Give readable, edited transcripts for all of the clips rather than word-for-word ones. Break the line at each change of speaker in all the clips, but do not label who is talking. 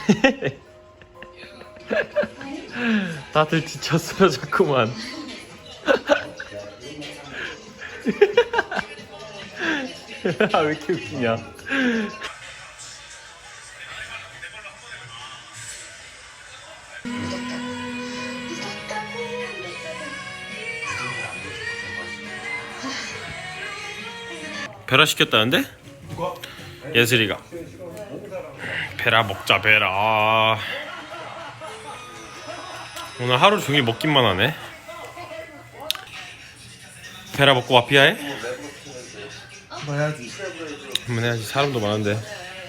다들 지쳤어요 자꾸만. 아, 왜 이렇게 웃기냐. 베라 시켰다는데? 예슬이가 베라 먹자 베라. 오늘 하루 종일 먹기만 하네. 베라 먹고 마피아 해?
해야지.
한번 해야지. 사람도 많은데.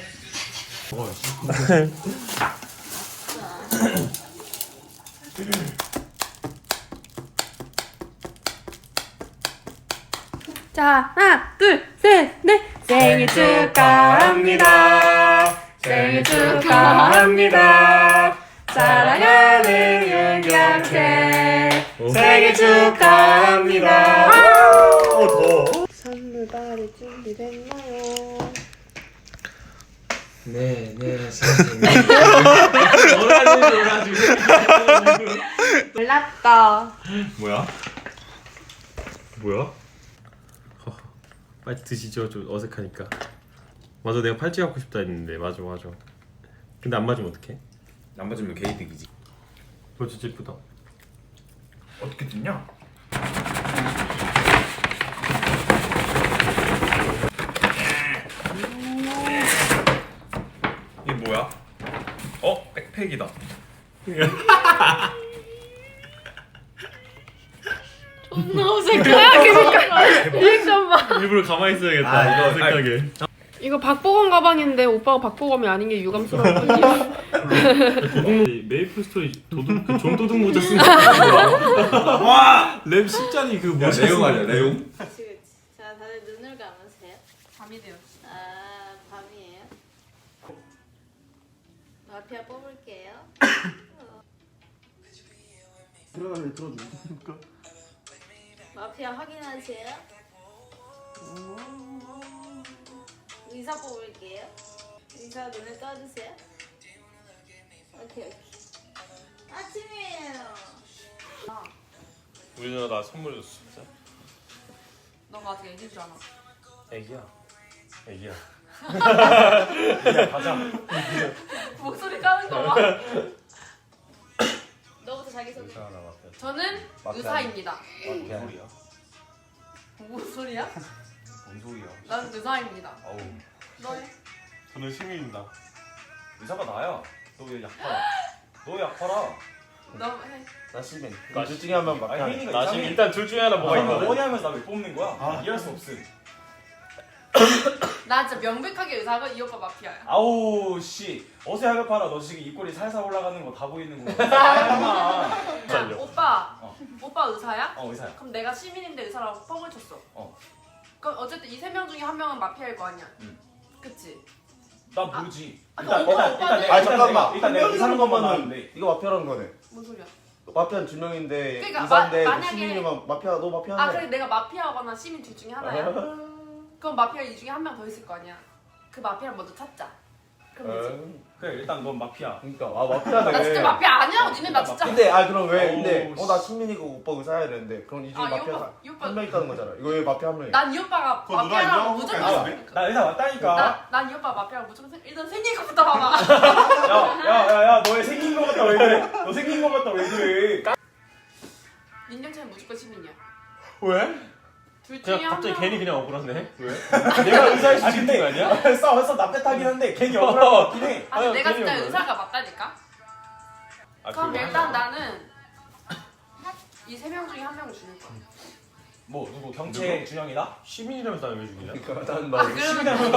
자, 하나, 둘, 셋, 넷. 생일 축하합니다. 생일 축하합니다. 사랑하는 윤경태 생일 축하합니다. 선물 받을 준비됐나요?
네, 선생님.
몰랐다.
뭐야? 뭐야? 빨리 드시죠. 좀 어색하니까. 맞아, 내가 팔찌 갖고 싶다 했는데. 맞아. 근데 안 맞으면 어떡해?
안 맞으면 개이득이지.
그거 진짜 예쁘다.
어떻게 됐냐? 이게 뭐야? 백팩이다.
너무 어색하게 리액션 봐.
일부러 가만히 있어야겠다.
아, 이거
어색하게.
이거 박보검 가방인데 오빠가 박보검이 아닌 게 유감스러워.
메이플 스토리 도둑 그 종도둑 모자 쓴 거. 와! 랩 십잔이 그 모자
내용 아니야, 내용?
그치. 자, 다들 눈을 감으세요.
밤이 되었어.
아, 밤이에요. 마피아 뽑을게요.
들어가면 들어줘.
마피아 확인하세요. 의사 뽑을게요. 의사 눈을 떠주세요. 오케이. 아침이에요.
우리 누나 나 선물 줬어 진짜?
너가 아직 애기인 줄 아나?
애기야.
가자.
목소리 까는 거 봐.
너부터 자기소개.
저는 의사입니다.
뭔 소리야?
무슨 소리야?
뭔 소리야?
난 의사입니다.
아우.
너요?
저는 시민입니다.
의사가 나야. 너 왜 약 팔아? 너 약 팔아?
너 해.
나 시민. 둘 중에 한 명
아니,
막혀.
혜인이가
나
이상해.
지금 일단 둘 중에 하나 뭐가
이거
있거든.
뭐냐면서 나 왜 뽑는 거야? 이해할 수 없음.
나 진짜 명백하게 의사가 이 오빠 마피아야.
아우 씨. 어서 약을 팔아. 너 지금 입꼬리 살살 올라가는 거 다 보이는 거. 아,
자, 오빠.
어.
오빠 의사야?
의사야.
그럼 내가 시민인데 의사라고 뻥을 쳤어.
어.
그럼 어쨌든 이 세 명 중에 한 명은 마피아일 거 아니야.
응.
그치?
나 모르지.
그럼 오빠는-
아 잠깐만.
일단 내가 의사는 것만 나는데.
이거 마피아라는 거네.
뭔 소리야?
마피아는 두 명인데
그러니까
의사인데
만약에-
시민이면 마피아 너 마피아네.
아 그래 내가 마피아거나 시민 둘 중에 하나야? 그럼 마피아 이 중에 한 명 더 있을 거 아니야. 그 마피아를 먼저 찾자. 그럼 되지.
그래 일단 넌 마피아.
그러니까 마피아네.
나 진짜 마피아 아니야. 니네 나 진짜.
근데 그럼 왜 근데
어우,
나 시민이고 오빠 의사야 되는데 그럼 이 중에
이
마피아
오빠 이 오빠.
한 명 있다는 거잖아. 이거 왜 마피아 한 명이야?
난 이 오빠가
그거 누가
마피아라고
인정?
무조건
아,
생각.
나 의사 맞다니까.
난 이 오빠 마피아라고 무조건 생각. 일단 생긴 것부터 봐봐.
야야야야 너의 생긴 거 같다 왜 그래? 너 생긴 거 같다 왜 그래?
민정체는 무조건 시민이야.
왜?
둘 중에
그냥
한
갑자기
명.
괜히 그냥 억울하네.
왜?
내가 의사일 수도
아
있는
근데
거 아니야?
싸워서 납득하긴 한데 괜히 억울한 거 같긴 해.
아니
아유,
내가
괜히
진짜
억울해.
의사가 맞다니까. 그럼 일단 나는 이 세 명 중에 한 명을 죽일 거야.
뭐 누구 경채 준영이다?
시민이라면서 나왜 죽이냐?
그러니까 난
아 그러면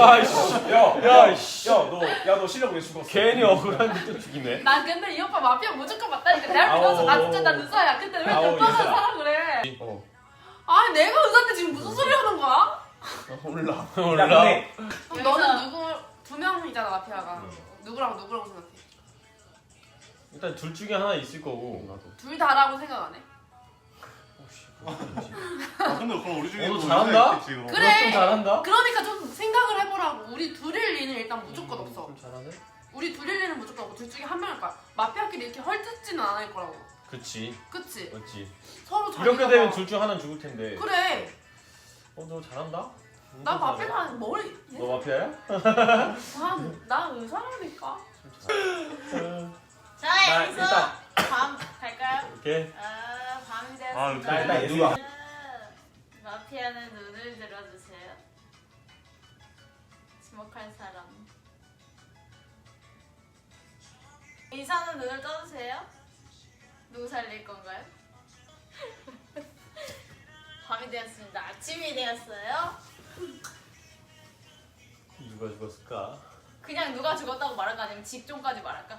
야너 실력 왜 죽었어?
괜히 억울한데 또 죽이네.
난 근데 이 오빠 마피아 무조건 맞다니까. 내가 믿어서 나 진짜 난 의사야. 근데 왜
아우,
오빠만
의사야.
사라 그래?
어.
아니 내가 의사인데 지금 무슨 소리 하는 거야?
몰라.
몰라.
그럼 너는 누구 두 명이잖아 마피아가. 누구랑 누구라고 생각해?
일단 둘 중에 하나 있을 거고.
둘 다라고 생각 안 해?
근데 그럼 우리 중에
너
또
잘한다?
의사 있겠지, 그럼.
그래.
좀 잘한다?
그러니까 좀 생각을 해보라고. 우리 둘일 리는 일단 무조건 없어.
좀 잘하네.
우리 둘일 일은 무조건 없고 둘 중에 한 명일 거야. 마피아끼리 이렇게 헐뜯지는 않을 거라고.
그치.
그치?
맞지.
서로 자기가
이렇게 되면
막-
둘 중 하나는 죽을 텐데.
그래.
너 잘한다?
나 마피아 머리.
너 마피아야?
나 의사라니까.
자,
나
여기서
일단-
밤 갈까요?
오케이.
밤이
아,
되었습니다.
일단
누가?
마피아는 눈을 들어주세요. 지목할 사람. 의사는 눈을 떠주세요. 누구 살릴 건가요? 밤이 되었습니다. 아침이 되었어요.
누가 죽었을까?
그냥 누가 죽었다고 말할까 아니면 직종까지 말할까?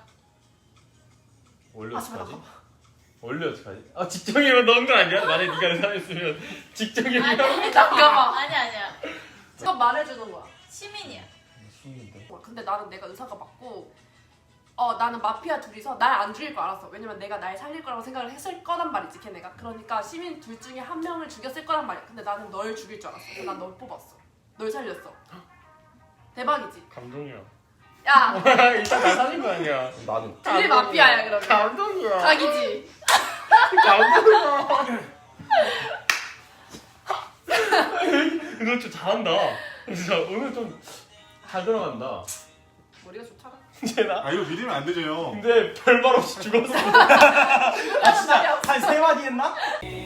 원래
아, 제발
어떡하지? 원래 어떡하지? 아 직종이면 넣은 거 아니야? 만약에 네가 의사였으면 직종이면
잠깐만.
아니야.
그거 말해주는 거야.
시민이야.
숨긴데.
근데 나는 내가 의사가 맞고 나는 마피아 둘이서 날 안 죽일 거 알았어. 왜냐면 내가 날 살릴 거라고 생각을 했을 거란 말이지 걔네가. 그러니까 시민 둘 중에 한 명을 죽였을 거란 말이야. 근데 나는 널 죽일 줄 알았어. 그래서 난 널 뽑았어. 널 살렸어. 대박이지?
감동이야.
야
일단 나 살린 거 아니야.
나는.
둘이 마피아야 그러면.
감동이야.
각이지?
감동이야. 너 좀 잘한다. 진짜 오늘 좀 잘 들어간다.
머리가 좋잖아.
쟤나?
아 이거 믿으면 안 되죠 형.
근데 별말 없이 죽었어.
아 진짜 한 3마디 했나?